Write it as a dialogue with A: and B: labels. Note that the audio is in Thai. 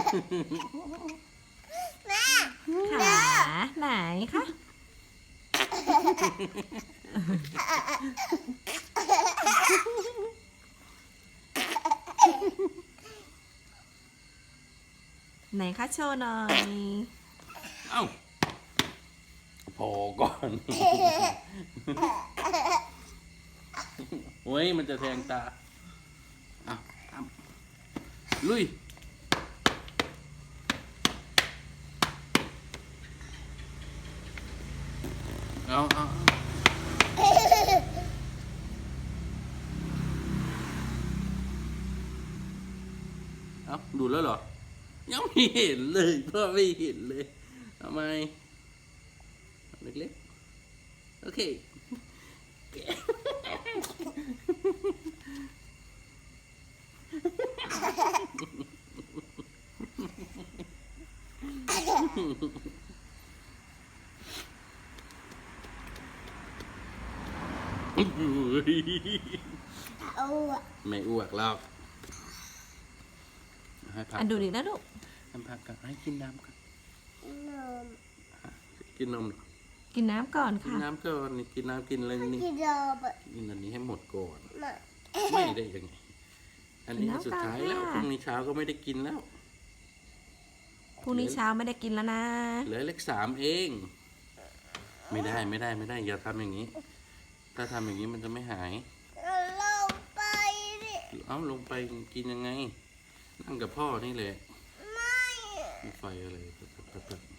A: แม่
B: ขาไหนคะไหนคะโชว์หน่อย
C: เอ้าพอก่อนโอ้ยมันจะแทงตาเอาทำลุยเอาดูแล้วเหรอยังไม่เห็นเลยพ่อไม่เห็นเลยทำไมเล็กๆโอเคไม่อ้วกแล้วให้พัก
B: ดูดินะลูก
C: ให้พักกันให้กินน้ำกัน
A: นม
C: กินนมเหรอ
B: กินน้ำก่อน
C: กิน
B: ค่ะ
C: น้ำก่อนนี่กินน้ำกินอะไรนี่
A: กินนม
C: กินอันนี้ให้หมดก่อน
A: มา
C: ไม่ได้ยังไงอันนี้
B: กินน้ำ
C: สุดท้าย
B: ก่อน
C: แล้ว
B: ค่ะ
C: พรุ่งนี้เช้าก็ไม่ได้กินแล้ว
B: พรุ่งนี้เช้าไม่ได้กินแล้วนะ
C: เหลือเลข3เอง ไม่ได้อย่าทำอย่างนี้ ถ้าทำอย่างนี้มันจะไม่หาย
A: ลงไปดิ
C: เอาลงไปกินยังไง นั่งกับพ่อนี่แหละ
A: ไม่
C: มีไฟอะไร